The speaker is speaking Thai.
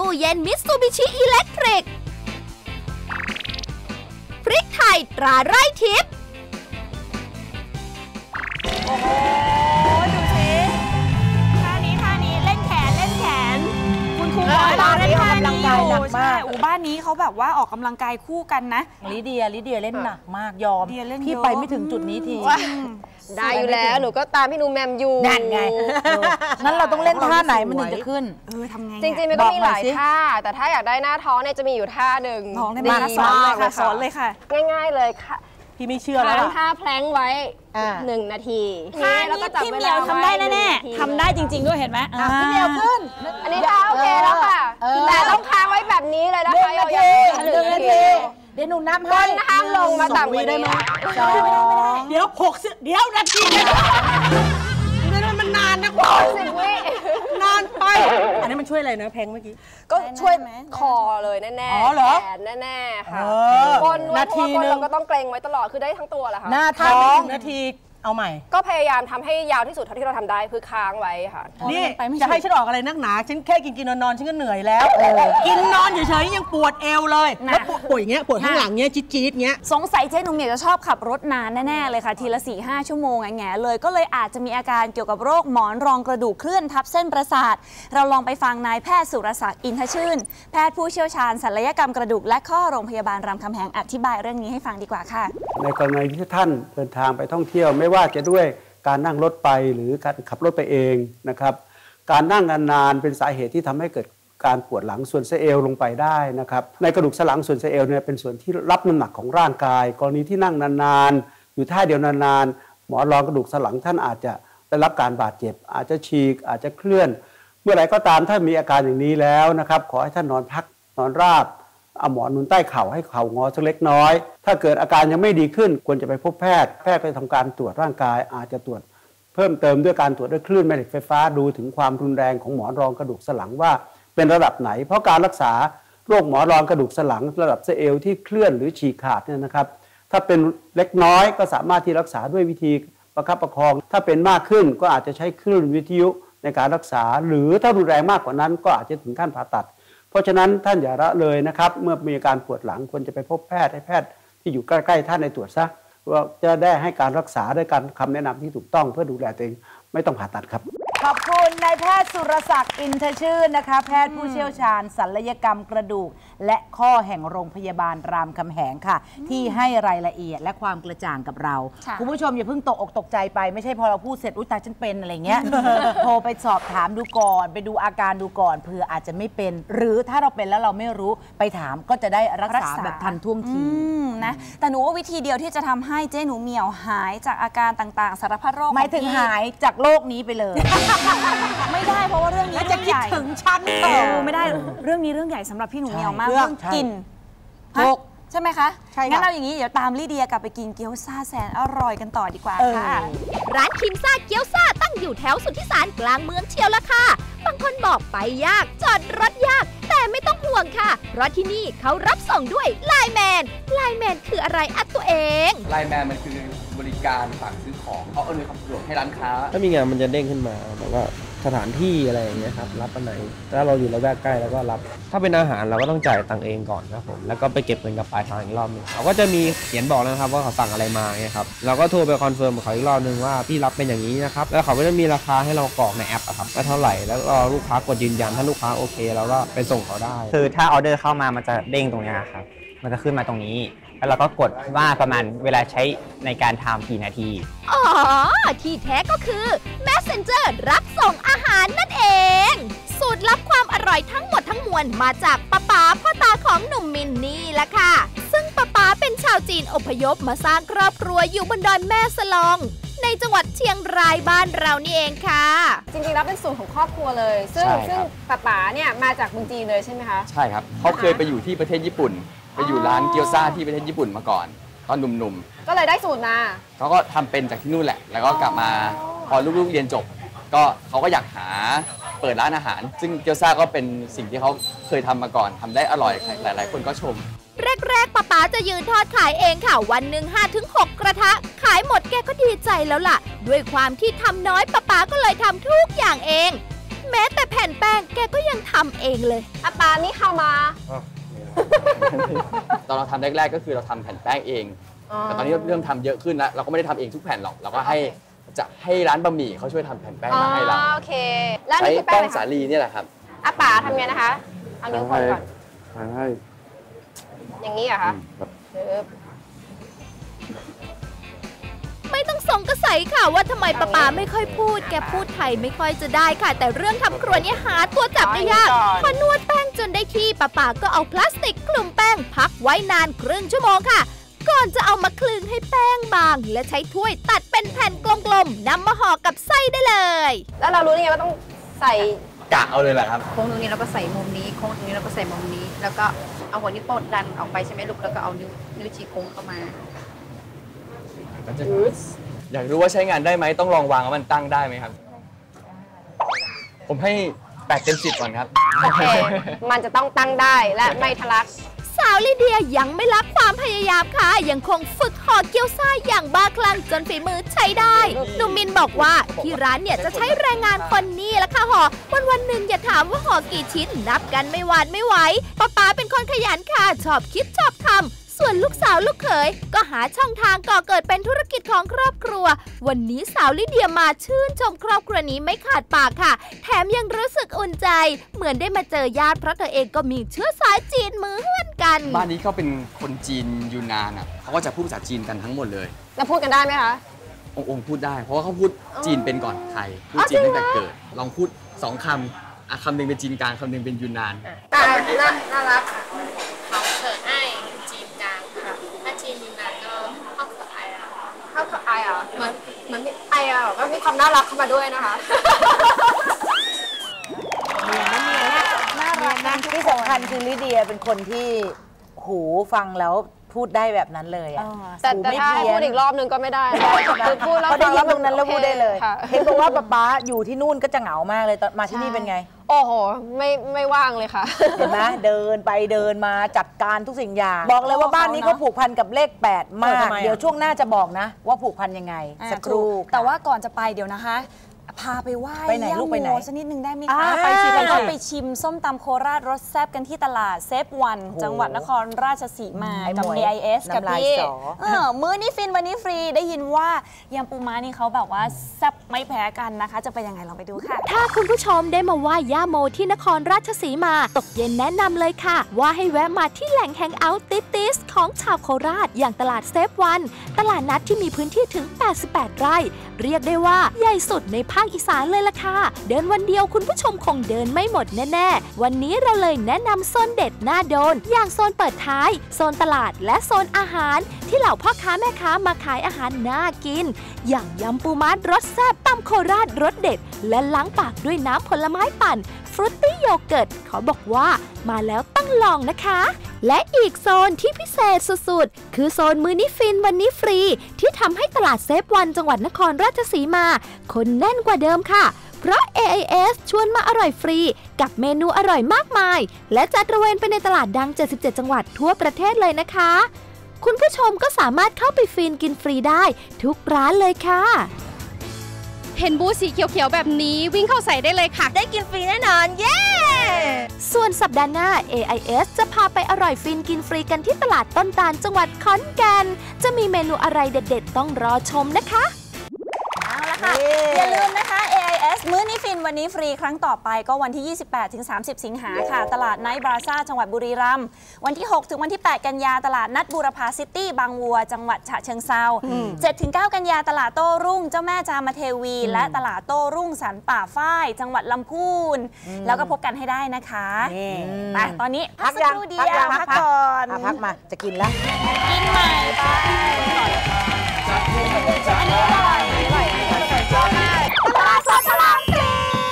ตู้เย็นมิตซูบิชิอิเล็กทริกพริกไทยตราไร่ทิพย์โอ้โหดูสิท่านี้เล่นแขนคุณครูบอกเราเล่นท่านี้อยู่ใช่บ้านนี้เขาแบบว่าออกกำลังกายคู่กันนะลิเดียเล่นหนักมากยอมพี่ไปไม่ถึงจุดนี้ทีได้อยู่แล้วหนูก็ตามพี่หนูแมมอยู่นั่นไงนั้นเราต้องเล่นท่าไหนมันถึงจะขึ้นทำไงจริงๆมันก็มีหลายท่าแต่ถ้าอยากได้หน้าท้องเนี่ยจะมีอยู่ท่าหนึ่งท้องได้มาสอนเลยค่ะง่ายๆเลยค่ะพี่ไม่เชื่อแล้วท่าแพลงไว้1 นาทีแล้วก็จับเวลาทำได้แน่ๆทำได้จริงๆด้วยเห็นไหมพี่เดียวขึ้นอันนี้ท่าโอเคแล้วค่ะแต่ต้องค้างไว้แบบนี้เลยนะคะ 1 นาทีเดี๋ยวหนูนับให้ห้ามลงมาต่ำกว่านี้เดี๋ยว60เดี๋ยวนาทีมันนานนะ 60 วินานไปอันนี้มันช่วยอะไรนะเพลงเมื่อกี้ก็ช่วยคอเลยแน่ๆแขนแน่ๆค่ะก้นนาทีนึงเราก็ต้องเกรงไว้ตลอดคือได้ทั้งตัวแหละค่ะหน้าท้องนาทีเอาใหม่ก็พยายามทำให้ยาวที่สุดเท่าที่เราทำได้คือค้างไว้ค่ะนี่จะให้ฉันออกอะไรนักหนาฉันแค่กินนอนฉันก็เหนื่อยแล้วกินนอนเฉยๆยังปวดเอวเลยแล้วปวดอย่างเงี้ยปวดข้างหลังเงี้ยจี๊ดๆเงี้ยสงสัยเจ๊หนุ่มเนี่ยจะชอบขับรถนานแน่ๆเลยค่ะทีละ 4-5 ชั่วโมงแง่เลยก็เลยอาจจะมีอาการเกี่ยวกับโรคหมอนรองกระดูกเคลื่อนทับเส้นประสาทเราลองไปฟังนายแพทย์สุรศักดิ์อินทชื่นแพทย์ผู้เชี่ยวชาญศัลยกรรมกระดูกและข้อโรงพยาบาลรามคำแหงอธิบายเรื่องนี้ให้ฟังดีกว่าค่ะในกรณีที่ท่านเดินทางไปท่องเที่ยวไม่ว่าจะด้วยการนั่งรถไปหรือการขับรถไปเองนะครับการนั่งนานๆเป็นสาเหตุที่ทำให้เกิดการปวดหลังส่วนสะเอวลงไปได้นะครับในกระดูกสันหลังส่วนสะเอวเนี่ยเป็นส่วนที่รับน้ำหนักของร่างกายกรณีที่นั่งนานๆอยู่ท่าเดียวนานๆหมอนรองกระดูกสันหลังท่านอาจจะได้รับการบาดเจ็บอาจจะฉีกอาจจะเคลื่อนเมื่อไหร่ก็ตามถ้ามีอาการอย่างนี้แล้วนะครับขอให้ท่านนอนพักนอนราบเอาหมอนนุนใต้เข่าให้เข่างอสักเล็กน้อยถ้าเกิดอาการยังไม่ดีขึ้นควรจะไปพบแพทย์ก็จะทำการตรวจร่างกายอาจจะตรวจเพิ่มเติมด้วยการตรวจด้วยคลื่นแม่เหล็กไฟฟ้าดูถึงความรุนแรงของหมอนรองกระดูกสันหลังว่าเป็นระดับไหนเพราะการรักษาโรคหมอนรองกระดูกสันหลังระดับสะเอวที่เคลื่อนหรือฉีกขาดเนี่ยนะครับถ้าเป็นเล็กน้อยก็สามารถที่รักษาด้วยวิธีประคับประคองถ้าเป็นมากขึ้นก็อาจจะใช้คลื่นวิทยุในการรักษาหรือถ้ารุนแรงมากกว่านั้นก็อาจจะถึงขั้นผ่าตัดเพราะฉะนั้นท่านอย่าละเลยนะครับเมื่อมีอาการปวดหลังควรจะไปพบแพทย์ให้แพทย์ที่อยู่ใกล้ๆท่านในตรวจซะว่าจะได้ให้การรักษาด้วยการคำแนะนำที่ถูกต้องเพื่อดูแลตัวเองไม่ต้องผ่าตัดครับขอบคุณนายแพทย์สุรศักดิ์อินทชื่นนะคะแพทย์ผู้เชี่ยวชาญศัลยกรรมกระดูกและข้อแห่งโรงพยาบาลรามคำแหงค่ะที่ให้รายละเอียดและความกระจ่างกับเราคุณผู้ชมอย่าเพิ่งตกอกตกใจไปไม่ใช่พอเราพูดเสร็จอุ๊ยตายฉันเป็นอะไรเงี้ย โทรไปสอบถามดูก่อนไปดูอาการดูก่อนเผื่ออาจจะไม่เป็นหรือถ้าเราเป็นแล้วเราไม่รู้ไปถามก็จะได้รักษาแบบทันท่วงทีนะแต่หนูว่าวิธีเดียวที่จะทำให้เจ๊หนูเหมียวหายจากอาการต่างๆสารพัดโรคหมายถึงหายจากโรคนี้ไปเลยไม่ได้เพราะว่าเรื่องนี้จะคิดถึงฉันไม่ได้เรื่องนี้เรื่องใหญ่สำหรับพี่หนูเหมียวมากเรื่องกินใช่ไหมคะงั้นเราอย่างนี้เดี๋ยวตามลิเดียกลับไปกินเกี๊ยวซ่าแสนอร่อยกันต่อดีกว่าค่ะร้านคิมซ่าเกี๊ยวซ่าตั้งอยู่แถวสุทธิสารกลางเมืองเชียวละค่ะบางคนบอกไปยากจอดรถยากแต่ไม่ต้องห่วงค่ะเพราะที่นี่เขารับส่งด้วยไลน์แมนคืออะไรอัดตัวเองไลน์แมนมันคือบริการสั่งซื้อของเขาอำนวยความสะดวกให้ร้านค้าถ้ามีงานมันจะเด้งขึ้นมาแบบว่าสถานที่อะไรอย่างเงี้ยครับรับอันไหนถ้าเราอยู่ระแวกใกล้แล้วก็รับถ้าเป็นอาหารเราก็ต้องจ่ายตังค์เองก่อนครับผมแล้วก็ไปเก็บเงินกับปลายทางอีกรอบนึงเขาก็จะมีเขียนบอกนะครับว่าเขาสั่งอะไรมาเนี่ยครับเราก็โทรไปคอนเฟิร์มกับเขาอีกรอบนึงว่าพี่รับเป็นอย่างนี้นะครับแล้วเขาก็จะมีราคาให้เรากรอกในแอปครับว่าเท่าไหร่แล้วก็ลูกค้ากดยืนยันถ้าลูกค้าโอเคเราก็ไปส่งเขาได้คือถ้าออเดอร์เข้ามามันจะเด้งตรงนี้ครับมันจะขึ้นมาตรงนี้แล้วเราก็กดว่าประมาณเวลาใช้ในการทำกี่นาทีอ๋อที่แท้ก็คือ Messenger รับส่งอาหารนั่นเองสูตรลับความอร่อยทั้งหมดทั้งมวลมาจากป้าพ่อตาของหนุ่มมินนี่แหละค่ะซึ่งป้าเป็นชาวจีนอพยพมาสร้างครอบครัวอยู่บนดอยแม่สลองในจังหวัดเชียงรายบ้านเรานี่เองค่ะจริงๆแล้วเป็นสูตรของครอบครัวเลยซึ่งป้าเนี่ยมาจากเมืองจีนเลยใช่ไหมคะใช่ครับเขาเคยไปอยู่ที่ประเทศญี่ปุ่นไปอยู่ร้านเกี๊ยวซ่าที่ประเทศญี่ปุ่นมาก่อนตอนหนุ่มๆก็เลยได้สูตรมาเขาก็ทำเป็นจากที่นู่นแหละแล้วก็กลับมาพอลูกๆเรียนจบก็เขาก็อยากหาเปิดร้านอาหารซึ่งเกี๊ยวซ่าก็เป็นสิ่งที่เขาเคยทำมาก่อนทำได้อร่อยหลายๆคนก็ชมแรกป้าจะยืนทอดขายเองค่ะวันหนึ่ง 5-6 กระทะขายหมดแกก็ดีใจแล้วล่ะด้วยความที่ทำน้อยป้าก็เลยทำทุกอย่างเองแม้แต่แผ่นแป้งแกกก็ยังทำเองเลยอาปานี่เข้ามาตอนเราทำแรกๆก็คือเราทำแผ่นแป้งเองแต่ตอนนี้เริ่มทำเยอะขึ้นแล้วเราก็ไม่ได้ทำเองทุกแผ่นหรอกเราก็ให้ร้านบะหมี่เขาช่วยทำแผ่นแป้งมาให้เราโอเคแล้วใช้นี่คือแป้แป้งงอะไรสาคะลีนี่แหละครับอาปาทำไงนะคะเอานิ้วคนก่อนให้อย่างนี้เหรอคะไม่ต้องสงสัยค่ะว่าทำไมป๊าไม่ค่อยพูดแกพูดไทยไม่ค่อยจะได้ค่ะ แต่เรื่องทำครัวนี่หาตัวจับได้ยากพอนวดแป้งจนได้ที่ป๊าก็เอาพลาสติกคลุมแป้งพักไว้นานครึ่งชั่วโมงค่ะก่อนจะเอามาคลึงให้แป้งบางและใช้ถ้วยตัดเป็นแผ่นกลมๆนำมาห่อกับไส้ได้เลยแล้วเรารู้ได้ไงว่าต้องใส่กะเอาเลยแหละครับโค้งตรงนี้เราก็ใส่มุมนี้โค้งตรงนี้เราก็ใส่มุมนี้ แล้วก็เอาหัวนิ้วโป้งดันออกไปใช่ไหมลูกแล้วก็เอานิ้วชี้โค้งเข้ามาอยากรู้ว่าใช้งานได้ไหมต้องลองวางว่ามันตั้งได้ไหมครับ ผมให้8 เต็ม 10ก่อนครับโอเค มันจะต้องตั้งได้และไม่ทะลักสาวลิเดียยังไม่ละความพยายามค่ะยังคงฝึกห่อเกี๊ยวซ่าอย่างบ้าคลั่งจนฝีมือใช้ได้หนุ่มมินบอกว่าที่ร้านเนี่ยจะใช้แรงงานคนนี้ละค่ะห่อวันหนึ่งอย่าถามว่าห่อกี่ชิ้นนับกันไม่หวานไม่ไหวป๊าเป็นคนขยันค่ะชอบคิดชอบทำส่วนลูกสาวลูกเขยก็หาช่องทางก่อเกิดเป็นธุรกิจของครอบครัววันนี้สาวลิเดียมาชื่นชมครอบครัวนี้ไม่ขาดปากค่ะแถมยังรู้สึกอุ่นใจเหมือนได้มาเจอญาติเพราะเธอเองก็มีเชื้อสายจีนเหมือนกันบ้านนี้เขาเป็นคนจีนยูนนานอ่ะเขาก็จะพูดภาษาจีนกันทั้งหมดเลยแล้วพูดกันได้ไหมคะองค์พูดได้เพราะว่าเขาพูดจีนเป็นก่อนไทยพูดจีนตั้งแต่เกิดลองพูด2 คำคำหนึ่งเป็นจีนกลางคำหนึ่งเป็นยูนนานน่ารักค่ะเขาเขินไอ้จีนกลางค่ะถ้าจีนยูนนานก็เข้าเขินไอ้อะเข้ากับไออ่ะเหมือนไออ่ะก็มีความน่ารักเข้ามาด้วยนะคะน่ารักนะที่สำคัญคือลิเดียเป็นคนที่หูฟังแล้วพูดได้แบบนั้นเลยอ่ะแต่ถ้าพูดอีกรอบนึงก็ไม่ได้คือพูดแล้วได้ยินตรงนั้นแล้วพูดได้เลยค่ะเห็นบอกว่าป๊าอยู่ที่นู่นก็จะเหงามากเลยตอนมาที่นี่เป็นไงโอ้โหไม่ว่างเลยค่ะเห็นไหมเดินไปเดินมาจัดการทุกสิ่งอย่างบอกเลยว่าบ้านนี้เขาผูกพันกับเลข8มากเดี๋ยวช่วงหน้าจะบอกนะว่าผูกพันยังไงสักครู่แต่ว่าก่อนจะไปเดี๋ยวนะคะพาไปไหว้ย่าโมสักนิดนึงได้ไหมคะไปสิเราไปชิมส้มตำโคราชรสแซ่บกันที่ตลาดเซฟวันจังหวัดนครราชสีมากับ AIS กับพี่มื้อนี้ฟินวันนี้ฟรีได้ยินว่ายำปูม้านี่เขาแบบว่าแซ่บไม่แพ้กันนะคะจะเป็นยังไงลองไปดูค่ะถ้าคุณผู้ชมได้มาไหว้ย่าโมที่นครราชสีมาตกเย็นแนะนำเลยค่ะว่าให้แวะมาที่แหล่งแฮงเอาท์ติสของชาวโคราชอย่างตลาดเซฟวันตลาดนัดที่มีพื้นที่ถึง88 ไร่เรียกได้ว่าใหญ่สุดในภาคอีสานเลยล่ะค่ะเดินวันเดียวคุณผู้ชมคงเดินไม่หมดแน่ๆวันนี้เราเลยแนะนำโซนเด็ดน่าโดนอย่างโซนเปิดท้ายโซนตลาดและโซนอาหารที่เหล่าพ่อค้าแม่ค้ามาขายอาหารน่ากินอย่างยำปูม้ารสแซ่บตำโคราชรสเด็ดและล้างปากด้วยน้ำผลไม้ปั่นฟรุตตี้โยเกิร์ตขอบอกว่ามาแล้วต้องลองนะคะและอีกโซนที่พิเศษสุดๆคือโซนมื้อนี้ฟินวันนี้ฟรีที่ทำให้ตลาดเซฟวันจังหวัดนครราชสีมาคนแน่นกว่าเดิมค่ะเพราะ AIS ชวนมาอร่อยฟรีกับเมนูอร่อยมากมายและจัดตระเวนไปในตลาดดัง77จังหวัดทั่วประเทศเลยนะคะคุณผู้ชมก็สามารถเข้าไปฟินกินฟรีได้ทุกร้านเลยค่ะเห็นบูธสีเขียวๆแบบนี้วิ่งเข้าใส่ได้เลยค่ะได้กินฟรีแน่นอนเย้ส่วนสัปดาห์หน้า AIS จะพาไปอร่อยฟินกินฟรีกันที่ตลาดต้นตาลจังหวัดขอนแก่นจะมีเมนูอะไรเด็ดๆต้องรอชมนะคะเอาละค่ะอย่าลืมนะคะ AIS มื้อนี้ฟินวันนี้ฟรีครั้งต่อไปก็วันที่ 28-30 สิงหาค่ะตลาดไนท์บราซ่าจังหวัดบุรีรัมย์วันที่ 6 ถึงวันที่ 8 กันยาตลาดนัดบูรพาซิตี้บางวัวจังหวัดฉะเชิงเทรา 7-9 กันยาตลาดโต้รุ่งเจ้าแม่จามเทวีและตลาดโต้รุ่งสันป่าฝ้ายจังหวัดลำพูนแล้วก็พบกันให้ได้นะคะแต่ตอนนี้พักสักครู่เดียวพักก่อนพักมาจะกินแล้วกินใหม่ไปอันนี้อร่อย